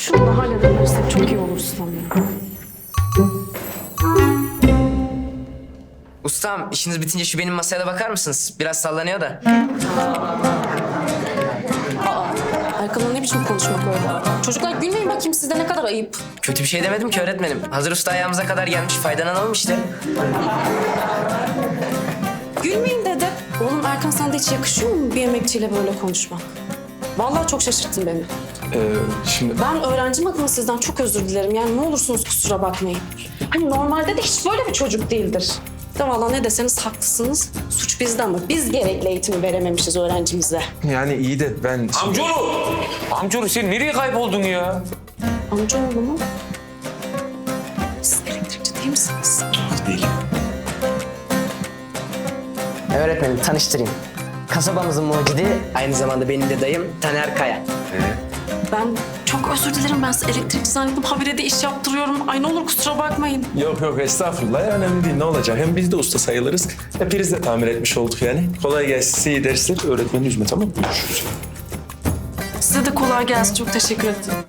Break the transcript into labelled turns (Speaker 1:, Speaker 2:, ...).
Speaker 1: Şunu da halledebilirsek çok iyi olur ustam ya.
Speaker 2: Ustam, işiniz bitince şu benim masaya da bakar mısınız? Biraz sallanıyor da.
Speaker 1: Erkan'la ne biçim konuşmak öyle? Çocuklar gülmeyin bakayım, sizde ne kadar ayıp.
Speaker 2: Kötü bir şey demedim ki öğretmenim. Hazır usta ayağımıza kadar gelmiş, faydalanalım işte.
Speaker 1: Gülmeyin dedim. Oğlum Erkan, sana da hiç yakışıyor mu bir emekçiyle böyle konuşmak? Vallahi çok şaşırttın beni.
Speaker 3: Şimdi
Speaker 1: Ben öğrencim adına sizden çok özür dilerim. Yani ne olursunuz kusura bakmayın. Hani normalde de hiç böyle bir çocuk değildir. De vallahi ne deseniz haklısınız. Suç bizde ama biz gerekli eğitimi verememişiz öğrencimize.
Speaker 3: yani iyi de ben...
Speaker 4: Amcaoğlu! Amcaoğlu sen nereye kayboldun ya?
Speaker 1: Amcaoğlu mu? Siz elektrikçi değil misiniz?
Speaker 3: Değilim.
Speaker 2: Öğretmenim, tanıştırayım. Kasabamızın mucidi, aynı zamanda benim de dayım Taner Kaya.
Speaker 1: Ben çok özür dilerim. Ben size elektrikçi zannettim. Habire de iş yaptırıyorum. Ay ne olur kusura bakmayın.
Speaker 3: Yok yok estağfurullah ya, önemli değil, ne olacak? Hem biz de usta sayılırız. Hepiniz de tamir etmiş olduk yani. Kolay gelsin, size iyi dersler. Öğretmeni üzme, tamam mı? Görüşürüz.
Speaker 1: Size de kolay gelsin. Çok teşekkür ederim.